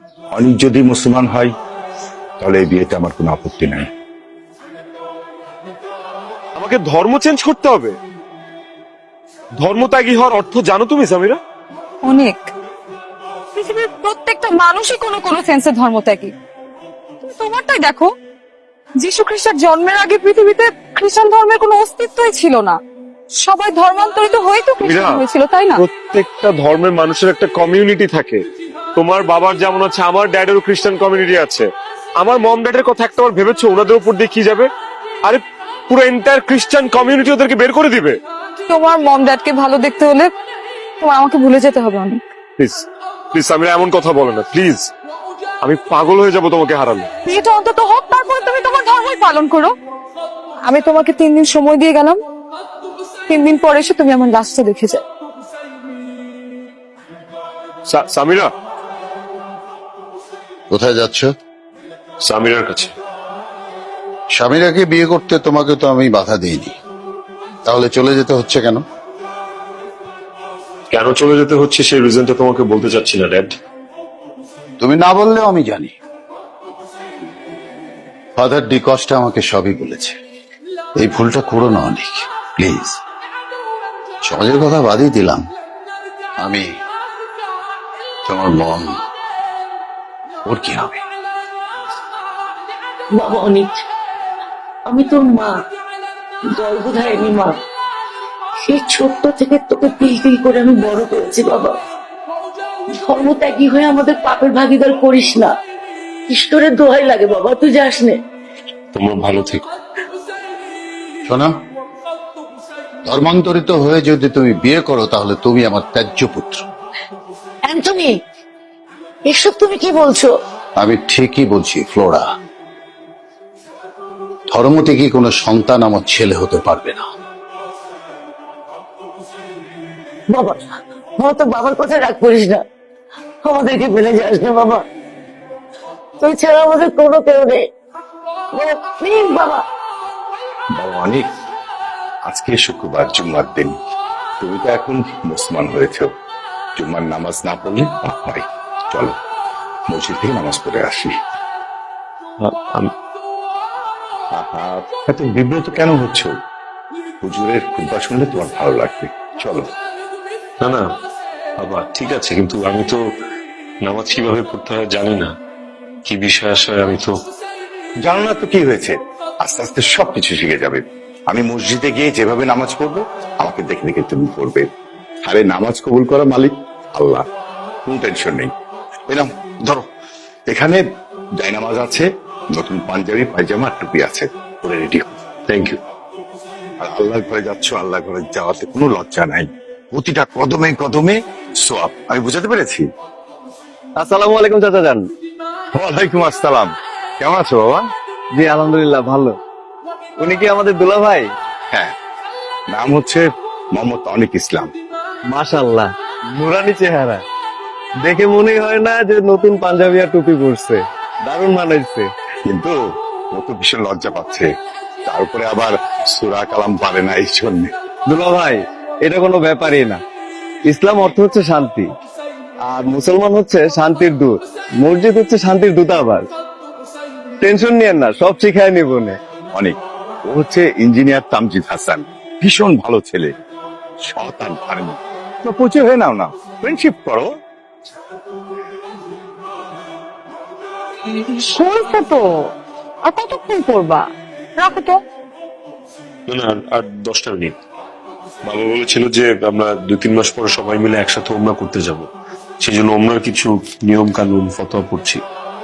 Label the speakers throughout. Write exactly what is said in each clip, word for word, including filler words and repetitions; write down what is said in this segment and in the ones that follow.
Speaker 1: অনেক যদি মুসলমান হয় তাহলে এই বিয়েতে আমার কোনো আপত্তি নাই।
Speaker 2: আমাকে ধর্ম চেঞ্জ করতে হবে? ধর্মত্যাগী হওয়ার অর্থ জানো তুমি সামিরা?
Speaker 3: অনেক। পৃথিবীর প্রত্যেকটা মানুষই কোনো কোনো সেন্সে ধর্মত্যাগী। তুমি তোমারটাই দেখো, যীশু খ্রিস্টের জন্মের আগে পৃথিবীতে খ্রিস্টান ধর্মের কোনো অস্তিত্বই ছিল না। সবাই ধর্মান্তরিত হয়ে তো খ্রিস্টান হয়েছিল, তাই না?
Speaker 2: প্রত্যেকটা ধর্মের মানুষের একটা কমিউনিটি থাকে। তোমার বাবার যেমন আছে, আমার ড্যাডেরও খ্রিস্টান কমিউনিটি আছে। আমার মম ড্যাডের কথা একটা বার ভেবেছো ওনাদের উপর দিয়ে কি যাবে? আরে পুরো এন্টায়ার খ্রিস্টান কমিউনিটি ওদেরকে বের করে দিবে।
Speaker 3: তোমার মম ড্যাডকে ভালো দেখতে হলে তোমার আমাকে ভুলে যেতে হবে অনেক।
Speaker 2: প্লিজ প্লিজ সামিরা, এমন কথা বলো না প্লিজ। আমি পাগল হয়ে যাব তোমাকে হারালে।
Speaker 3: বিয়েটা অন্তত হোক, তারপরে তুমি তোমার ধর্মই পালন করো। আমি তোমাকে তিন দিন সময় দিয়ে গেলাম, তিন দিন পরে এসে তুমি আমার লাশটা দেখে যাও।
Speaker 2: সা- সামিরা,
Speaker 4: কোথায় যাচ্ছ?
Speaker 2: সামিরার কাছে।
Speaker 4: স্বামীরাকে বিয়ে করতে তোমাকে তো আমি বাধা দিইনি, তাহলে চলে যেতে হচ্ছে কেন?
Speaker 2: কেন চলে যেতে হচ্ছে সেই রিজনটা তোমাকে বলতে চাচ্ছি না ড্যাড।
Speaker 4: তুমি না বললেও আমি জানি। ফাদার ডিকস্টা আমাকে সবই বলেছে। এই ভুলটা করো না অনেক, প্লিজ। সমাজের কথা বাদই দিলাম, আমি তোমার মন, ওর কি হবে?
Speaker 5: বাবা অনেক, আমি তোর মা, গর্ভধারিণী মা। সেই ছোট্ট থেকে তোকে তিল তিল করে আমি বড় করেছি বাবা। ধর্মত্যাগী হয়ে আমাদের পাপের ভাগিদার করিস না। ঈশ্বরের দোহাই লাগে বাবা, তুই যাস নে।
Speaker 2: তোমরা ভালো থেকো।
Speaker 4: শোনো, ধর্মান্তরিত হয়ে যদি তুমি বিয়ে করো তাহলে তুমি আমার ত্যায্য পুত্র।
Speaker 5: অ্যান্টনি, এসব তুমি কি বলছো?
Speaker 4: আমি ঠিকই বলছি ফ্লোরা। ধর্ম থেকে কোনো সন্তান আমার ছেলে হতে পারবে না।
Speaker 5: বাবা, বাবা তোর বাবার কথা রাগ করিস না, আমাদেরকে ফেলে যাস না বাবা। তুই ছাড়া আমাদের কোনো কেউ নেই প্লিজ বাবা।
Speaker 1: বাবা অনেক, আজকে শুক্রবার, জুম্মার দিন। তুমি তো এখন মুসলমান হয়েছ, জুম্মার নামাজ না পড়লে পাপ হয়। চলো মসজিদ থেকে নামাজ পড়ে আসি। আহা, এত বিব্রত কেন হচ্ছ? হুজুরের খুতবা শুনলে তোমার ভালো লাগবে। চলো।
Speaker 2: না না বাবা, ঠিক আছে, কিন্তু আমি তো নামাজ কিভাবে পড়তে হয় জানি না। কি বিষয় আসায় আমি তো
Speaker 1: জানো না তো কি হয়েছে, আস্তে আস্তে সবকিছু শিখে যাবে। আমি মসজিদে গিয়ে যেভাবে নামাজ পড়বো আমাকে দেখে দেখে তুমি পড়বে। আরে নামাজ কবুল করা মালিক আল্লাহ, কোনো টেনশন নেই। এই নাও ধরো, এখানে জায়নামাজ আছে, নতুন পাঞ্জাবি পায়জামা আর টুপি আছে, পরে রেডি হো।
Speaker 2: Thank you.
Speaker 1: আর আল্লাহর ঘরে যাচ্ছ, আল্লাহ ঘরে যাওয়াতে কোনো লজ্জা নাই। প্রতিটা কদমে কদমে সোয়াব। আমি বুঝাতে পেরেছি?
Speaker 6: আসসালামু আলাইকুম চাচা যান।
Speaker 1: ওয়ালাইকুম আসসালাম। কেমন আছো বাবা?
Speaker 6: জি আলহামদুলিল্লাহ ভালো। উনি কি আমাদের দুলা ভাই?
Speaker 1: হ্যাঁ, নাম হচ্ছে মোহাম্মদ অনিক ইসলাম।
Speaker 6: মাশাআল্লাহ, নুরানি চেহারা, দেখে মনে হয় না যে নতুন পাঞ্জাবি আর টুপি পরছে। দারুণ মানাইছে।
Speaker 1: কিন্তু ও তো ভীষণ লজ্জা পাচ্ছে, তার উপরে আবার সূরা কালাম পারে না, এই জন্য।
Speaker 6: দুলা ভাই, এটা কোনো ব্যাপারই না। ইসলাম অর্থ হচ্ছে শান্তি, আর মুসলমান হচ্ছে শান্তির দূত। মসজিদ হচ্ছে শান্তির দূতাবাস। টেনশন নিয়েন না, সব শিখায় নিব নে।
Speaker 1: অনেক, ও হচ্ছে ইঞ্জিনিয়ার তামজিদ হাসান, ভীষণ ভালো ছেলে, সৎ আর ধার্মিক। তো পচে হয়ে নাও না, ফ্রেন্ডশিপ করো।
Speaker 3: শুনছো তো, আর কতক্ষণ করবা? রাখো তো।
Speaker 2: না না, আর- আর দশটা মিনিট। বাবা বলেছিল যে আমরা দুই তিন মাস পরে সবাই মিলে একসাথে ওমরা করতে যাব, সেই জন্য ওমরার কিছু নিয়ম কানুন ফতোয়া পড়ছি।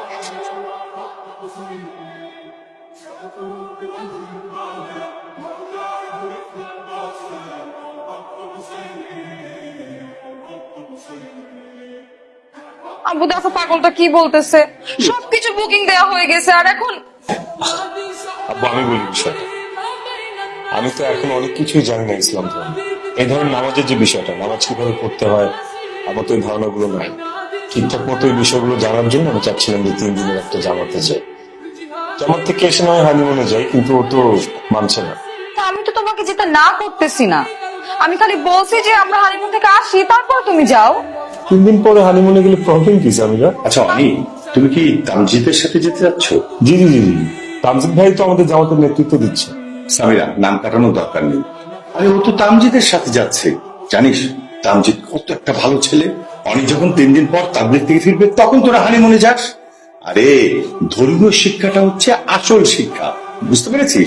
Speaker 3: আব্বু দেখো পাগলটা কি বলতেছে, সবকিছু বুকিং দেওয়া হয়ে গেছে আর এখন
Speaker 2: আব্বু আমি বলি বিষয়টা, আমি তো এখন অনেক কিছুই জানি না ইসলাম ধর্ম। এই ধরনের নামাজের যে বিষয়টা, নামাজ কিভাবে পড়তে হয়, আমার তো এই ধারণাগুলো নাই। ঠিকঠাক মতো এই বিষয়গুলো জানার জন্য আমি চাচ্ছিলাম যে তিন দিনের একটা জামাতে যাই। জামাত থেকে এসে নয় হানিমুনে যাই, কিন্তু ও তো মানছে না।
Speaker 3: তা আমি তো তোমাকে যেতে না করতেছি না, আমি খালি বলছি যে আমরা হানিমুন থেকে আসি তারপর তুমি যাও।
Speaker 2: তিন দিন পরে হানিমুনে গেলে প্রবলেম কি সামিরা?
Speaker 1: আচ্ছা অনি, তুমি কি তামজিদের সাথে যেতে যাচ্ছ?
Speaker 2: জি জি জি জি তামজিদ ভাই তো আমাদের জামাতের নেতৃত্ব দিচ্ছে।
Speaker 1: সামিরা, নাম কাটানোর দরকার নেই। আরে ও তো তামজিদের সাথে যাচ্ছে। জানিস তামজিদ কত একটা ভালো ছেলে। অনি যখন তিন দিন পর তাবলিগ থেকে ফিরবে তখন তোরা হানিমুনে যাস। আরে ধর্মীয় শিক্ষাটা হচ্ছে আসল শিক্ষা, বুঝতে পেরেছিস?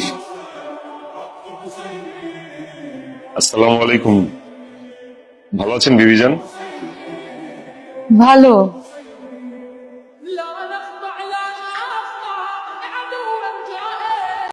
Speaker 2: আসসালামু আলাইকুম। ভালো আছেন বিবিজান?
Speaker 3: ভালো।